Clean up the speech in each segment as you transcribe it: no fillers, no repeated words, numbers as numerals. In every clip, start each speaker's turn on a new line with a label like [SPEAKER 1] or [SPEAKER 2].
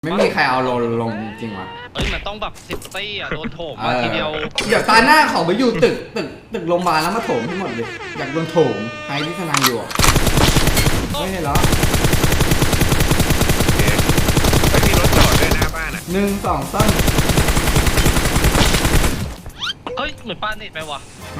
[SPEAKER 1] ไม่มีใครเอาลงจริงวะ
[SPEAKER 2] เอ้ยมันต้องแบบ10 ตี้อ่ะโดนโถมมาทีเดียว
[SPEAKER 1] เดี๋ยวตาหน้าเขาไปอยู่ตึกโรงพยาบาลแล้วมาโถมให้หมดเลยอยากโดนโถมใครที่ทนายอยู่ไม่เห็นเหรอ
[SPEAKER 3] ไปมีรถจอดด้วยหน้าบ้านอ่ะ
[SPEAKER 1] 1 2 3
[SPEAKER 2] เฮ้ยเหมือนป้าเน็ตไปวะ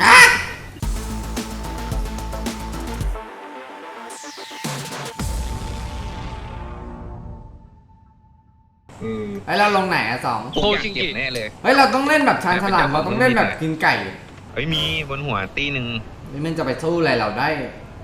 [SPEAKER 1] ไอ้เราลงไหนอะ2
[SPEAKER 2] โอ้จริง
[SPEAKER 3] เก็บแน่เลย
[SPEAKER 1] เฮ้ยเราต้องเล่นแบบชานฉลามเราต้องเล่นแบบกินไก่
[SPEAKER 3] เฮ้ยมีบนหัวตีหนึ่ง
[SPEAKER 1] นี่มันจะไปสู้อะไรเราได้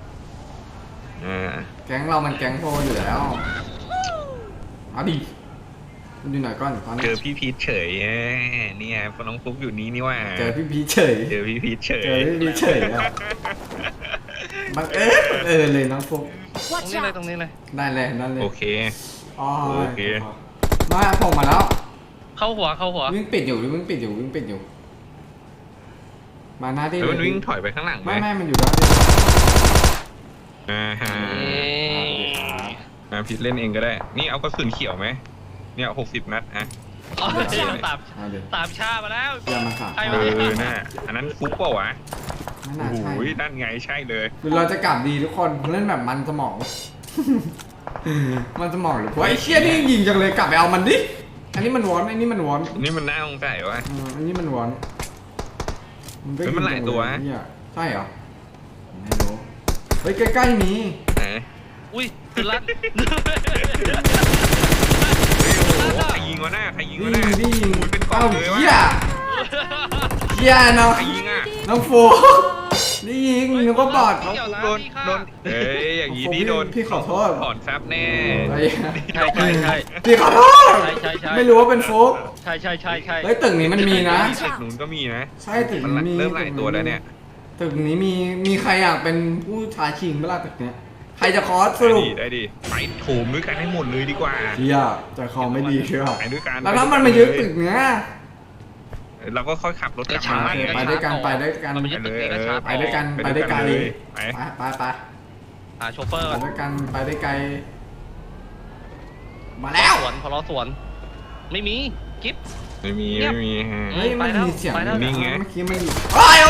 [SPEAKER 1] แก๊งเรามันแก๊งโพอยู่แล้วเอาดิดูหน่อยก่อนตอนนี้
[SPEAKER 3] เจอพี่พีชเฉยเนี่ยพอน้องฟุกอยู่นี้นี่ว่า
[SPEAKER 1] เจอพี่พีชเฉย
[SPEAKER 3] เจอพี่พีชเฉย
[SPEAKER 1] เจอพี่พีชเฉยอะบังเอิญเลยน้องฟุก
[SPEAKER 2] ตรงนี้เลย
[SPEAKER 1] ได้เลยนั่นเลย
[SPEAKER 3] โอเค
[SPEAKER 1] โอเคมาผมมาแล้ว
[SPEAKER 2] เข้าหัว
[SPEAKER 1] วิ่งปิดอยู่มาหน้าที่
[SPEAKER 3] มันวิ่งถอยไปข้างหลังไหม
[SPEAKER 1] ไม่มันอยู่ด้าน
[SPEAKER 3] ที่พีชเล่นเองก็ได้นี่เอากระสุนเขียวไหมเนี่ย60 นัดอะ
[SPEAKER 2] ตามชามาแล้ว
[SPEAKER 1] อย่ามาค่ะ
[SPEAKER 3] น่ะอันนั้นฟุกเปล่าวะ
[SPEAKER 1] โอ้โห
[SPEAKER 3] นั่นไงใช่เลย
[SPEAKER 1] หรือเราจะกลับดีทุกคนเล่นแบบมันสมองมันสมองหรือไอ้เชี่ยนี่ยิงจังเลยกลับไปเอามันดิอันนี้มันวอน
[SPEAKER 3] นี่มันน่าสงสัยวะ
[SPEAKER 1] อันนี้มันวอน
[SPEAKER 3] มันหลายตัว
[SPEAKER 1] ใช่เหรอไม่รู้เฮ้ยใกล้ๆมี
[SPEAKER 2] อุ้ยตื่นลั่น
[SPEAKER 3] ใครยิงวะหน้าใครยิงวะหน้า
[SPEAKER 1] ดิ
[SPEAKER 3] เป็นกล้องเลยวะ
[SPEAKER 1] เฮียเนาะ
[SPEAKER 3] ใครยิงอ่ะ
[SPEAKER 1] น้องโฟนี่ยิงนึกว่าบอด
[SPEAKER 3] โดนอย่างนี้นี่โดน
[SPEAKER 1] พี่ขอโทษ
[SPEAKER 3] ถอนซับแน่
[SPEAKER 2] ใช่
[SPEAKER 1] พี่ขอโทษไม่รู้ว่าเป็นโฟก
[SPEAKER 2] ใช่
[SPEAKER 1] เฮ้ยตึกนี้มันมีนะ
[SPEAKER 3] ตึกนู้นก็มีนะ
[SPEAKER 1] ใช่ตึกนี้
[SPEAKER 3] เริ่มหลายตัวแล้วเนี่ย
[SPEAKER 1] ตึกนี้มีใครอยากเป็นผู้ท้าชิงเมื่อไหร่ตึกเนี้ยใครจะคอสสรุป
[SPEAKER 3] ได้ดิไปโถมด้วยกันให้หมดเลยดีกว่า
[SPEAKER 1] เฮียจะคอไม่ดีเชียว
[SPEAKER 3] ไปด้วยกัน
[SPEAKER 1] แล้วถ้ามันมายึดตึกเนี้ย
[SPEAKER 3] เราก็ค่อยขับรถกลับมา
[SPEAKER 1] ไปด้วยกันไปด้วยกันไปด้วยกันไปได้ไกลไป
[SPEAKER 2] โชเฟอร์
[SPEAKER 1] ไปด้วยกันไปได้ไกลมาแล้ว
[SPEAKER 2] พอล้อสวนไม่มีกิ๊บ
[SPEAKER 3] ไม่มี
[SPEAKER 1] เฮ้ยมันมีเสียง
[SPEAKER 3] นี่ไง
[SPEAKER 1] เมื่อกี้มันโอ้ย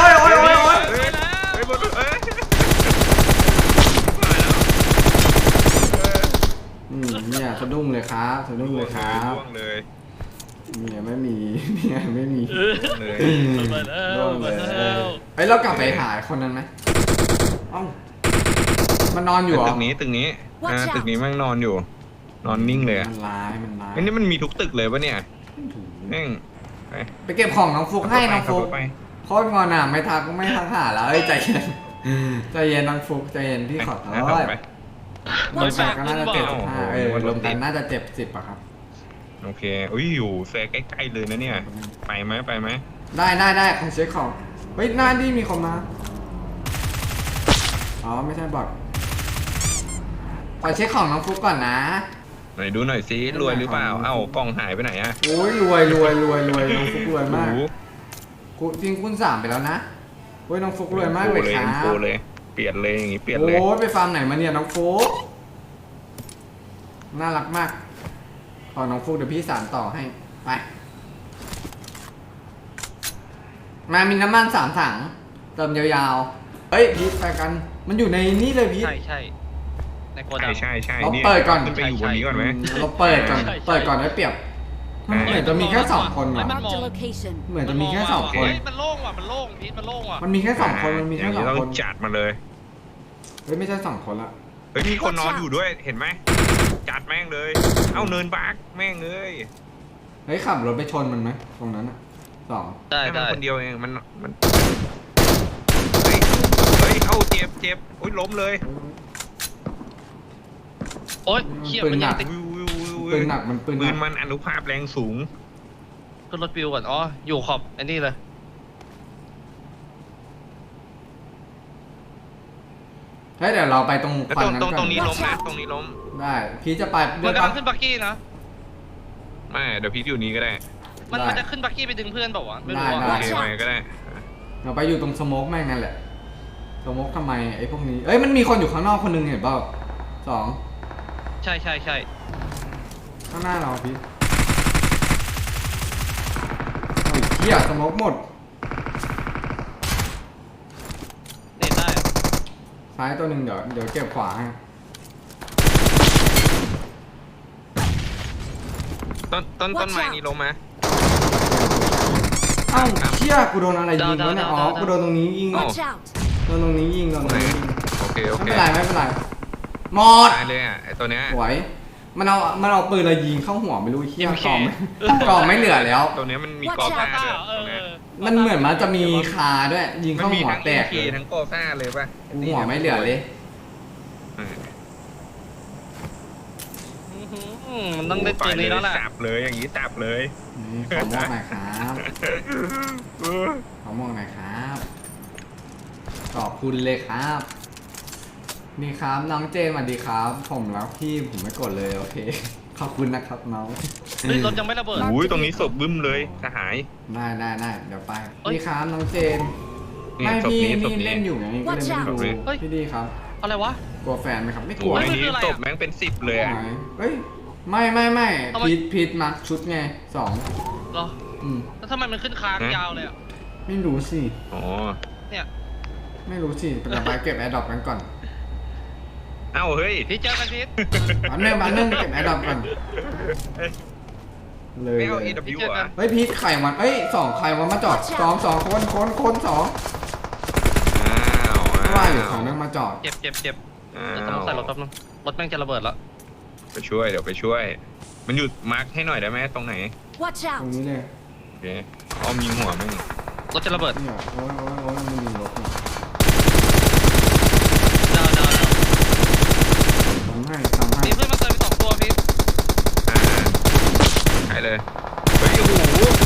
[SPEAKER 1] เนี่ยสะดุ้งเลยครับเนี่ยไม่มีเลยเฮ้ยเรากลับไปหาคนนั้นไหมเอ้ามันนอนอยู่เหรอ
[SPEAKER 3] ตึกนี้ตึกนี้มันนอนอยู่นอนนิ่งเลย
[SPEAKER 1] มันร้าย
[SPEAKER 3] นี่มันมีทุกตึกเลยปะเนี่ยนิ่ง
[SPEAKER 1] ไปเก็บของน้องฟุกให้น้องฟุกโคตรงอนอ่ะไม่ทักหาแล้วใจเย็นน้องฟุกใจเย็นพี่ขอโทษรวมกันก็น่าจะ75รวมกันน่าจะ70อะครับ
[SPEAKER 3] โอเคอุ้ยอยู่แฟร์ใกล้ๆเลยนะเนี่ยไปไหม
[SPEAKER 1] ได้ของเช็คของเฮ้ยหน้านี่มีคนมาอ๋อไม่ใช่บอทขอเช็คของน้องฟุกก่อนนะ
[SPEAKER 3] ไหนดูหน่อยซิรวยหรือเปล่าเอ้ากล่องหายไปไหนอะ
[SPEAKER 1] โอ้ยรวยน้องฟุกรวยมากจริงคุณ3ไปแล้วนะโอ้ยน้องฟุกรวยมากเลยครับ
[SPEAKER 3] เปลี่ยนเลยอย่างงี้เปลี่ยนเลย
[SPEAKER 1] โอ้ยไปฟาร์มไหนมาเนี่ยน้องฟุกน่ารักมากขอน้องฟุกเดี๋ยวพี่สานต่อให้ไปมามีน้ำมัน3 ถังเติมยาวๆเฮ้ยพีทไปกันมันอยู่ในนี่เลยพีท
[SPEAKER 2] ใช่ในโกดัง
[SPEAKER 3] ใช่
[SPEAKER 1] เราเปิดก่อน
[SPEAKER 3] ไปอยู่บนนี้ก่อนไหม
[SPEAKER 1] เราเปิดก่อนได้เปรียบเหมือนจะมีแค่2 คนว่ะเหมือนจะมีแค่2 คน
[SPEAKER 2] มันโล่งว่ะพีทมันโล่งว่ะ
[SPEAKER 1] มันมีแค่2 คน
[SPEAKER 3] ต้องจัดมาเลย
[SPEAKER 1] เฮ้ยไม่ใช่2 คนละ
[SPEAKER 3] เฮ้ยมีคนนอนอยู่ด้วยเห็นไหมจัดแม่งเลยเอ้าเนินบักแม่งเลย
[SPEAKER 1] เฮ้ยขับรถไปชนมันไหมตรงนั้นอ่ะ
[SPEAKER 2] ได้
[SPEAKER 3] คนเดียวเองมันเฮ้ยเอ้าเจ็บโอ้ยล้มเลย
[SPEAKER 2] โอ๊ยเขี้ยมันยังติด
[SPEAKER 1] ปืนหนัก
[SPEAKER 3] มันอนุภาพแรงสูง
[SPEAKER 2] ขึ้นรถปิวก่อนอ๋ออยู่ขอบอันนี้เลย
[SPEAKER 1] เฮ้ยเดี๋ยวเราไปตรงควันนั้นก่อน
[SPEAKER 3] ตรงนี้ล้มนะตรงนี้ล้ม
[SPEAKER 1] ได้พี่จะไป
[SPEAKER 2] มันกำลังขึ้นบักกี้นะ
[SPEAKER 3] ไม่เดี๋ยวพี่อยู่นี้ก็ได้
[SPEAKER 2] มันจะขึ้นบักกี้ไปดึงเพื่อนบอกว่าไม่รู้
[SPEAKER 3] โอเคไปก็ได้
[SPEAKER 1] เราไปอยู่ตรงสโมกแม่งนั่นแหละสโมกทำไมไอ้พวกนี้เอ้ยมันมีคนอยู่ข้างนอกคนนึงเห็นเปล่า2
[SPEAKER 2] ใช่
[SPEAKER 1] ข้างหน้าเราพี่โอ้ยเหี้ยสโมกหมด
[SPEAKER 2] เน็ตได้
[SPEAKER 1] ซ้ายตัวหนึ่งเดี๋ยวเก็บขวาให้
[SPEAKER 3] ต้นไม้นี้ลงมา
[SPEAKER 1] เอ้าเชี่ยกูโดนอะไรยิงวะเนี่ยอ๋อกูโดนตรงนี้ยิง
[SPEAKER 4] Watch out!
[SPEAKER 1] โดนตรงนี้ยิงโดนตรงนี้ยิง
[SPEAKER 3] โอเคโอ
[SPEAKER 1] ไม่
[SPEAKER 3] เค
[SPEAKER 1] เป็นไรไม่เป็นไรหมด
[SPEAKER 3] ตายเลยอ่ะไอตัวเนี้ย
[SPEAKER 1] สวยมันเอาปืนอะไรยิงเข้าหัวไม่รู้เชี่ยกล่องกล่องไม่เหลือแล้ว
[SPEAKER 3] ตัวเนี้ยมันมีกอซ่าด้วยตัวเนี้ย
[SPEAKER 1] มันเหมือนมันจะมีคาด้วยยิง
[SPEAKER 3] มัน
[SPEAKER 1] เข้า
[SPEAKER 3] มี
[SPEAKER 1] หัว
[SPEAKER 3] ทั้ง
[SPEAKER 1] แต
[SPEAKER 3] เอ็
[SPEAKER 1] ก
[SPEAKER 3] เค
[SPEAKER 1] เลย
[SPEAKER 3] ทั้งกอซ่าเลยป่ะ
[SPEAKER 1] หัวไม่เหลือเลย
[SPEAKER 3] เออ
[SPEAKER 2] มันต้องได้ปืนนี้แล้วแหละ
[SPEAKER 3] จับเลยอย่างนี้จับเลย
[SPEAKER 1] นี่ขอมอบหน่อยครับขอมอบหน่อยครับขอบคุณเลยครับนี่ครับน้องเจมส์สวัสดีครับ ผมรักพี่ผมไม่กดเลยโอเคขอบคุณนะครับน้อง
[SPEAKER 2] เฮ้ยรถยังไม่ระเบิด
[SPEAKER 3] อุ้ยตรงนี้ศพบึ้มเลยสหาย
[SPEAKER 1] ได้เดี๋ยวไป
[SPEAKER 2] เอ้ย
[SPEAKER 1] นี่ครับน้องเจมส์
[SPEAKER 3] นี่
[SPEAKER 1] ไม่
[SPEAKER 3] ศพ
[SPEAKER 1] พี่
[SPEAKER 3] นี้ศพ
[SPEAKER 1] นี่
[SPEAKER 3] นี้
[SPEAKER 1] เล่นอยู่ไงก็เลยไม่ดู
[SPEAKER 2] เฮ้ย
[SPEAKER 1] พี่ดีครับ
[SPEAKER 2] อะไรวะ
[SPEAKER 1] กลัวแฟนไหมครับไม่ก
[SPEAKER 3] โอ้
[SPEAKER 1] ลัวย
[SPEAKER 3] อัน
[SPEAKER 2] ไม่
[SPEAKER 3] นี้
[SPEAKER 2] คืออะไรอะ
[SPEAKER 3] ศพแม่งเป็น10เลยอ่ะ
[SPEAKER 1] เฮ้ยไม่
[SPEAKER 2] ทำไม
[SPEAKER 1] พีทมาชุดไง2
[SPEAKER 2] เหรอ
[SPEAKER 1] อืม
[SPEAKER 2] แล้วทำไมมันขึ้นค้างยาวเลยอ่ะ
[SPEAKER 1] ไม่รู้สิ
[SPEAKER 3] อ๋อ
[SPEAKER 2] เนี่ย
[SPEAKER 1] ไม่รู้สิเป็นไปเก็บแอร์ดรอปกันก่อน
[SPEAKER 3] เอ้าเฮ้ย
[SPEAKER 2] พี่เจอกันพีท
[SPEAKER 1] อันนึงเก็บแอร์ดรอปก่อนเลย
[SPEAKER 3] ไม่เอา
[SPEAKER 1] เลย
[SPEAKER 3] AW อ่ะ
[SPEAKER 1] เฮ้ยพีทไข่มันเอ้ย2ไข่มันมาจอดสองคนสอง
[SPEAKER 3] อ้าว
[SPEAKER 1] ไม่ว่าอยู่ของนึงมาจอด
[SPEAKER 2] เจ็บเดี๋ยว
[SPEAKER 3] อ้า
[SPEAKER 2] ต้องใส่รถ
[SPEAKER 3] ว
[SPEAKER 2] แป๊บนึงรถแม่งจะระเบิดแล้ว
[SPEAKER 3] ไปช่วยเดี๋ยวไปช่วย มันหยุดมาร์คให้หน่อยได้ไหมตรงไหน
[SPEAKER 4] Watch
[SPEAKER 1] ตรง
[SPEAKER 4] out!
[SPEAKER 1] นี้เลย
[SPEAKER 3] โอเคอ้อมยิงหัวมึง
[SPEAKER 2] รถจะระเบิด
[SPEAKER 1] เนี่ยโอ้ยมันมีรถนี่
[SPEAKER 2] ดาว
[SPEAKER 1] ทำให้
[SPEAKER 2] มีเพื่อนมาเติมไป2 ตัวพีท
[SPEAKER 3] อ่าหายเลยเฮ้ยโอ้โห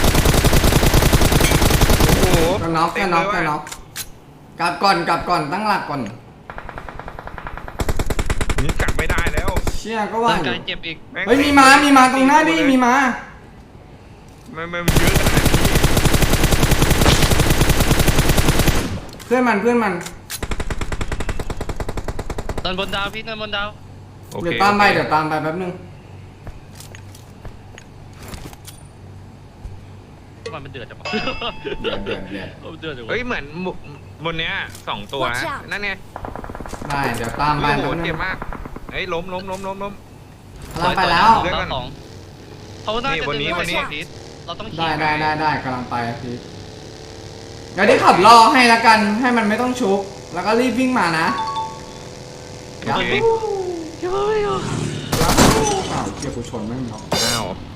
[SPEAKER 3] โอ้โห
[SPEAKER 1] ก็น็อก
[SPEAKER 3] เต็มเลยว่ะ
[SPEAKER 1] กลับก่อนตั้งหลักก่อน
[SPEAKER 3] นี่กลับไม่ได้แล้ว
[SPEAKER 1] เชี่ยก็ว่า
[SPEAKER 2] ร่าง
[SPEAKER 1] อยู่
[SPEAKER 2] กายเจ็บอีก
[SPEAKER 3] แง
[SPEAKER 1] เฮ้ยมีมาตรงหน้าดิมีมา
[SPEAKER 3] มันเยอะขนาดนี้
[SPEAKER 1] เพื่อนมัน
[SPEAKER 2] เดินบนดาวพีทเดินบนดาว
[SPEAKER 3] โอเค
[SPEAKER 1] เดี๋ยวตามไปแป๊บนึง
[SPEAKER 2] มันเดือดจังวะ
[SPEAKER 1] เดี๋ยว
[SPEAKER 2] เดือดจังวะ
[SPEAKER 3] เฮ้ยเหมือนบนเนี้ย2 ตัวนะ
[SPEAKER 4] Watch out
[SPEAKER 3] นั่นไง
[SPEAKER 1] ได้เดี๋ยวตามไป
[SPEAKER 3] โอ้โห
[SPEAKER 1] แป๊บนึ
[SPEAKER 3] เจ็บ
[SPEAKER 1] ง
[SPEAKER 3] มากเฮ้ยล้ม
[SPEAKER 1] กำลังไปแล้ว
[SPEAKER 3] เดี๋ยว
[SPEAKER 2] ดาว
[SPEAKER 3] ก่อน
[SPEAKER 2] 2เขาน่าจะ
[SPEAKER 3] วันนี้
[SPEAKER 2] ดึง
[SPEAKER 3] วันนี้
[SPEAKER 2] พีทเราต้องขี่
[SPEAKER 1] ได้กำลังไปพี่เดี๋ยวได้ขับรอให้ละกันให้มันไม่ต้องชุบแล้วก็รีบวิ่งมานะ
[SPEAKER 3] โอเค
[SPEAKER 1] อ้าวเกี่ยวกูชนไม่งเนาะ
[SPEAKER 3] อ้าว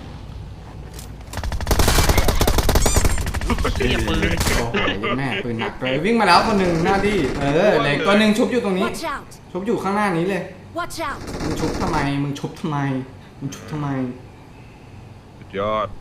[SPEAKER 2] เหี้ยปืน
[SPEAKER 1] โอ้โหแม่ปืนหนักเลยวิ่งมาแล้วคนหนึ่งหน้าที่เหล็กตัวหนึ่งชุบอยู่ตรงนี้
[SPEAKER 4] Watch out!
[SPEAKER 1] ชุบอยู่ข้างหน้านี้เลย
[SPEAKER 4] Watch out!
[SPEAKER 1] มึงชุบทำไม
[SPEAKER 3] สุดยอด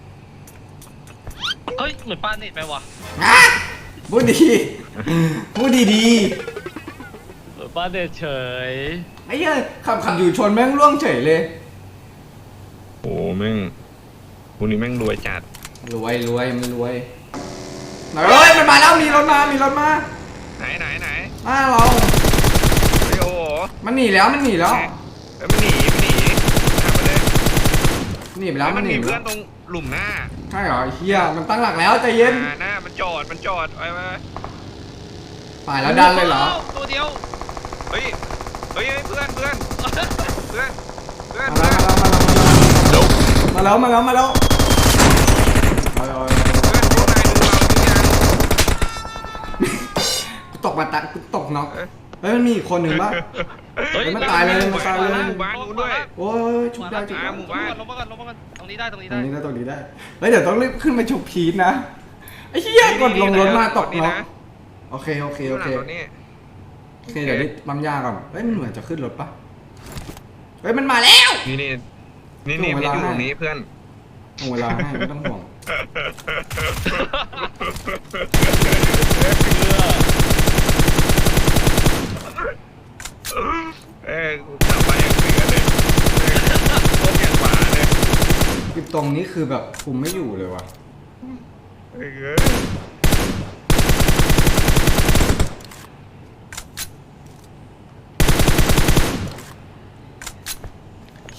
[SPEAKER 2] เฮ้ยเหมือนปาเน็ตไปว่ะ
[SPEAKER 1] อ่ะพูดดีพูดดี
[SPEAKER 2] เหมือนปาเน็ตเฉย
[SPEAKER 1] ไอ้เหี้ยขับอยู่ชนแม่งร่วงเฉยเลย
[SPEAKER 3] โอ้แม่งพวกนี้แม่งรวยจัด
[SPEAKER 1] รวยมันรวยเฮ้ยมันมาแล้วมีรถมา
[SPEAKER 3] ไหน
[SPEAKER 1] หน้าเรา
[SPEAKER 3] เฮ้ยโอ้โห
[SPEAKER 1] มันหนีแล้ว
[SPEAKER 3] เอ้ยมันหนีทำไปเลย
[SPEAKER 1] หนีไปแล้ว
[SPEAKER 3] มันมี
[SPEAKER 1] ไป
[SPEAKER 3] เพื่อ
[SPEAKER 1] แล้
[SPEAKER 3] น
[SPEAKER 1] ว
[SPEAKER 3] ตรงหลุมหน้า
[SPEAKER 1] ใช่เหรอไอ้เฮียมันตั้งหลักแล้วใจเย็น
[SPEAKER 3] หน้ามันจอดไป
[SPEAKER 1] ฝ่ายแล้วดันเลยเหรอ
[SPEAKER 2] ตัวเดียว
[SPEAKER 3] เฮ้ยเพื่อน
[SPEAKER 1] มาแล้วกูตกมากูตกน็อกเฮ้ยมันมีอีกคนหนึ่งปะ เฮ้ยมันตายเลย
[SPEAKER 3] หมู่บ้านนู้นด้วย
[SPEAKER 1] โอ้ยชุบได้
[SPEAKER 3] หมู่บ้าน
[SPEAKER 2] ลงมาก่อนตรงนี้ได้
[SPEAKER 1] ตรงนี้ได้เฮ้ยเดี๋ยวต้องรีบขึ้นไปชุบพีทนะไอ้เหี้ยกดลงรถมาตกน็อกโอเคเดี๋ยวนี้ปั๊มยาก่อนเฮ้ยมันเหมือนจะขึ้นรถปะเฮ้ยมันมาแล้ว
[SPEAKER 3] นี่พี่อยู่ตรงนี้เพื่อน
[SPEAKER 1] ห่วงเวลาให้ไม่ต้องห่วง
[SPEAKER 3] ขับไปอย่างเสือเลยโคตรอย่างหมาเลย
[SPEAKER 1] กิบตรงนี้คือแบบคุมไม่อยู่เลยว่ะ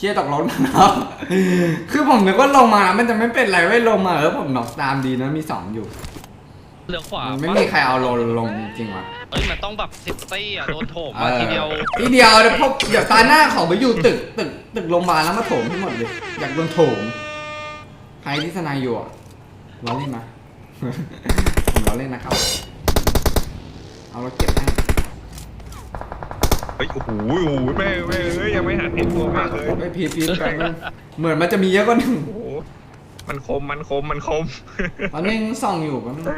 [SPEAKER 1] ชี่ยตกรถมาแล้ว คือผมนึกว่าลงมามันจะไม่เป็นไรไม่ลงมาผมน็อกตามดีนะมี2อยู่
[SPEAKER 2] เหลือขวา
[SPEAKER 1] ไม่มีใครเอาลงจริงวะ
[SPEAKER 2] เอ้ยมันต้องแบบ10 ตี้อ่ะโดนโถมมาทีเดียว
[SPEAKER 1] ทีเดียวเดี๋ยวพวกเดี๋ยวตาหน้าเขาไปอยู่ตึกโรงพยาบาลแล้วมาโถมทั้งหมดเลยอยากโดนโถมใครที่ทนายอยู่อ่ะล้อเล่นมา ผมล้อเล่นนะครับเอารถเก็บให้
[SPEAKER 3] เฮ้ยโอ้โหแม่เฮ้ยยังไม่หันเห็นตัวแม่เลย
[SPEAKER 1] ไอ้พีแปลงเหมือนมันจะมีเยอะกว่าหนึ่ง
[SPEAKER 3] โอ้โหมันคม
[SPEAKER 1] ตอนนี้ยังส่องอยู่กันง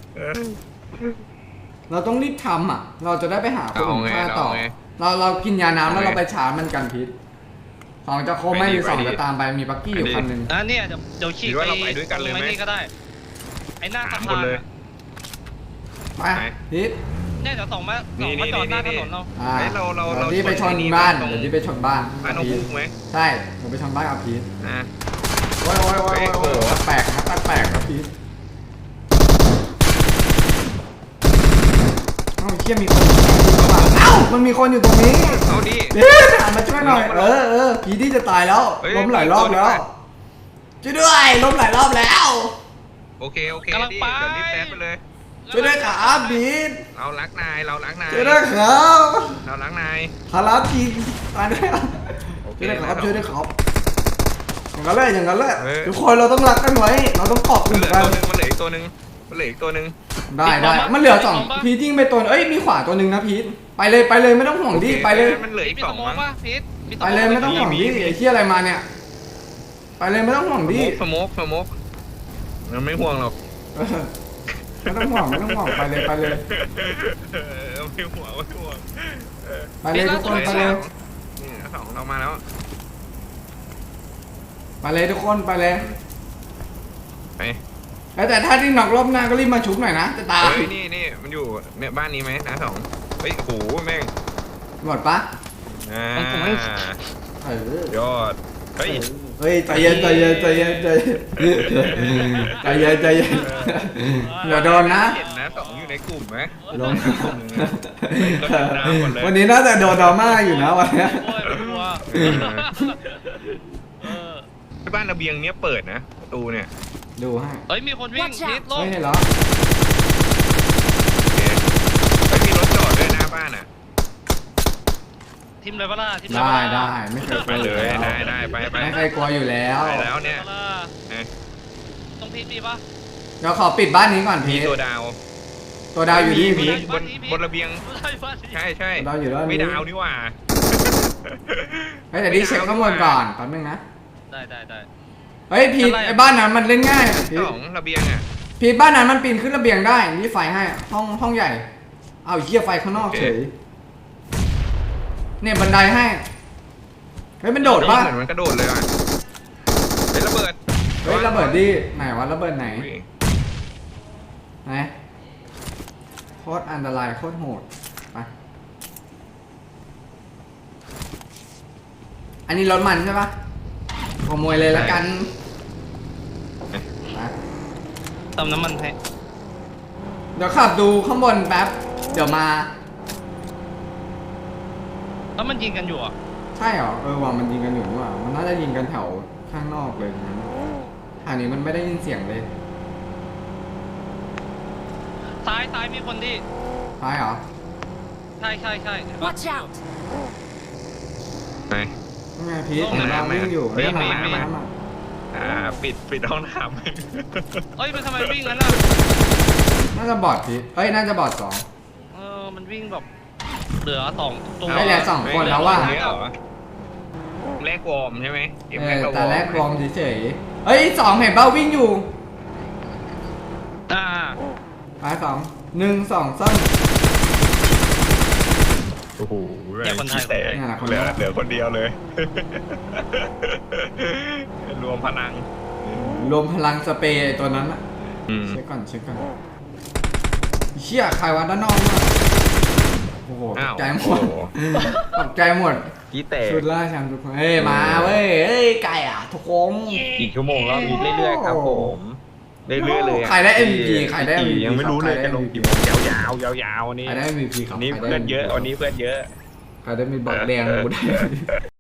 [SPEAKER 1] เราต้องรีบทำอ่ะ เราจะได้ไปหาคนอื่นฆ่าต่อ เรากินยาน้ำแล้วเราไปชาร์จมันกันพิษ2จะโคไม่หรือ2จะตามไปมีบักกี้อยู่คันหนึ่ง
[SPEAKER 2] เนี่ยเดี๋ยวฉีกไปไม่นี่ก็ได้ไอ้หน้าสะพาน
[SPEAKER 1] ไปพิษ
[SPEAKER 2] เนี่ยเดี๋ยวส่งมาจอดหน้าถนนเรา
[SPEAKER 1] เดี๋ยวที่ไปชนบ้านเดี๋ยวที่ไปชนบ้าน
[SPEAKER 3] บ้านน้องฟุกไหม
[SPEAKER 1] ใช่ผมไปชนบ้านกับพีท
[SPEAKER 3] อ่ะ
[SPEAKER 1] โอ้ยแปลกครับพีทเอ้าเชี่ยมีคนเอ้ามันมีคนอยู่ตรงนี้
[SPEAKER 3] เอาดิ
[SPEAKER 1] พีทหันมาช่วยหน่อยพีทที่จะตายแล้วล้มหลายรอบแล้วช่วยด้วยล้มหลายรอบแล้ว
[SPEAKER 3] โอเคดิเดี๋ยวรีบแซดไปเลย
[SPEAKER 1] ช่วยด้วยครับพีท
[SPEAKER 3] เรารักนาย
[SPEAKER 1] ช่วยด้วยครับ
[SPEAKER 3] เรารักนาย
[SPEAKER 1] คาราพีทตายด้วยช่วยด้วยครับอย่างนั้นเลยทุกคนเราต้องรักกันไว้เราต้องขอบคุณกัน
[SPEAKER 3] มันเหลืออีกตัวหนึ่ง
[SPEAKER 1] ได้มันเหลือ2พีทยิงไปตัวเอ้ยมีขวาตัวหนึ่งนะพีทไปเลยไม่ต้องห่วงดิไปเลย
[SPEAKER 3] มันเหลืออีก
[SPEAKER 2] มี
[SPEAKER 3] 2
[SPEAKER 2] สมอง
[SPEAKER 3] มั้ง
[SPEAKER 2] ป่ะพีท
[SPEAKER 1] ไปเลยไม่ต้องห่วงดิไอ้เหี้ยอะไรมาเนี่ยไปเลยไม่ต้องห่วงดิ
[SPEAKER 3] สโมกมันไม่ห่วงหรอก
[SPEAKER 1] ไม่ต้องห่วงไปเลย
[SPEAKER 3] ไม่ห่วง
[SPEAKER 1] ไปเลยทุกคนไปเลย
[SPEAKER 3] นี่2เรามาแล้ว
[SPEAKER 1] ไปเลยทุกคนไปเลย
[SPEAKER 3] ไป
[SPEAKER 1] แต่ถ้าที่หนอกรอบหน้าก็รีบมาชุบหน่อยนะจะตาย
[SPEAKER 3] เฮ้ยนี่มันอยู่เนี่ยบ้านนี้ไหมนะ2เฮ้ยโอ้โหแม่ง
[SPEAKER 1] หมดปะ
[SPEAKER 3] ยอดเฮ้ย
[SPEAKER 1] ใจเย็นเดี๋ยวโดนนะ
[SPEAKER 3] เห็นนะ2อยู่ในกลุ่มไหม
[SPEAKER 1] ลงวันนี้น่าจะโดนดราม่าอยู่นะวันนี้
[SPEAKER 2] โอ้ยกลัว
[SPEAKER 3] บ้านระเบียงเนี้ยเปิดนะประตูเนี่ย
[SPEAKER 1] ดูให้
[SPEAKER 2] เฮ้ยมีคนวิ่งพีทลง
[SPEAKER 1] ไม่เห็นเหรอ
[SPEAKER 3] ไม่มีรถจอดด้วยหน้าบ้านอ่ะ
[SPEAKER 2] ทิมเลยปะล่ะทิม
[SPEAKER 1] ได้ไม่เคยก
[SPEAKER 3] ไป
[SPEAKER 1] ลัว
[SPEAKER 3] เลย
[SPEAKER 1] ได้
[SPEAKER 3] ไป
[SPEAKER 1] ไม่เคยกลัวอยู่แล้ว
[SPEAKER 3] ไปแล้วเนี่ย
[SPEAKER 2] ต้องพีทมีปะ
[SPEAKER 1] เดี๋ยวขอปิดบ้านนี้ก่อนพี
[SPEAKER 3] มี
[SPEAKER 1] ท
[SPEAKER 3] ตัวดาว
[SPEAKER 1] ตัวดาวอยู่ที่พีท
[SPEAKER 3] บนระเบียงใช่
[SPEAKER 1] ดาวอยู่ด้านนี้
[SPEAKER 3] ไม่ดาวนี่หว่า
[SPEAKER 1] แต่ที่เช็คข้างบนก่อนแป๊บนึงนะ
[SPEAKER 2] ได้
[SPEAKER 1] เฮ้ยพีทไอ้บ้านนั้นมันเล่นง่ายพีท
[SPEAKER 3] ระเบียงอ่ะ
[SPEAKER 1] พีทบ้านนั้นมันปีนขึ้นระเบียงได้นี่ไฟให้ห้องใหญ่เอาเหี้ยไฟข้างนอกเฉยเนี่ยบันไดให้เฮ้ยมันโดดป่ะ
[SPEAKER 3] เหมือนมันกระโดดเลยว่ะเป็นระเบิด
[SPEAKER 1] เฮ้ยระเบิดดิไหนวะระเบิดไหนโคตรอันตรายโคตรโหดไปอันนี้รถมันใช่ปะขโมยเลยละกันไป
[SPEAKER 2] เติมน้ำมันให้
[SPEAKER 1] เดี๋ยวขับดูข้างบนแป๊บเดี๋ยวมา
[SPEAKER 2] แล้วมันยิงกันอยู่อ่ะ
[SPEAKER 1] ใช่เหรอว่ามันยิงกันอยู่นี่หว่ามันน่าจะยิงกันแถวข้างนอกเลยนะทางนี้มันไม่ได้ยินเสียงเลย
[SPEAKER 2] ซ้ายมีคนที่
[SPEAKER 1] ใช่เหรอ
[SPEAKER 2] ใช่
[SPEAKER 4] Watch out!
[SPEAKER 3] ไหน
[SPEAKER 1] นี่ไงพีทเห็นเราวิ่งอยู่
[SPEAKER 3] เฮ้ย
[SPEAKER 1] นี่
[SPEAKER 3] มา
[SPEAKER 1] มา
[SPEAKER 3] ปิดห้องน้ำ
[SPEAKER 2] เอ้ยมันทำไมวิ่งงั้นล่ะ
[SPEAKER 1] น่าจะบอดพีทน่าจะบอด2
[SPEAKER 2] มันวิ่งแบบเหลือ2ตัว
[SPEAKER 1] ไม่เหลือ2คนแล้วว่ะ
[SPEAKER 3] แรกวอร์มใช่ไหม
[SPEAKER 1] แต่แรกวอร์มเฉยๆเฮ้ย2เห็นเบ้าวิ่งอยู่ ไป2 1 2 3
[SPEAKER 3] โอ้โห
[SPEAKER 2] แต่คนไทย
[SPEAKER 3] แตกเหลือคนเดียวเลย รวมพลัง
[SPEAKER 1] รวมพลังสเปรย์ตัวนั้นอะเช็คก่อนเชี่ยใครวะด้านนอกมาโอ้โหตกใจหมด
[SPEAKER 3] กี่แตก
[SPEAKER 1] ชุดล่าแชมป์ทุกคนมาเว้ยไก่อ่ะทุกคน
[SPEAKER 3] กี่ชั่วโมงแล้วเรื่อยๆครับผมเรื่อยๆเลย
[SPEAKER 1] ใครได้ MVP ใครได้ MVP
[SPEAKER 3] ยังไม่รู้เลยจะลงกี่โมงยาวๆวันนี้
[SPEAKER 1] ใครได้ MVP ครับ
[SPEAKER 3] วันนี้เพื่อนเยอะ
[SPEAKER 1] ใครได้มีบอลแดงกูได้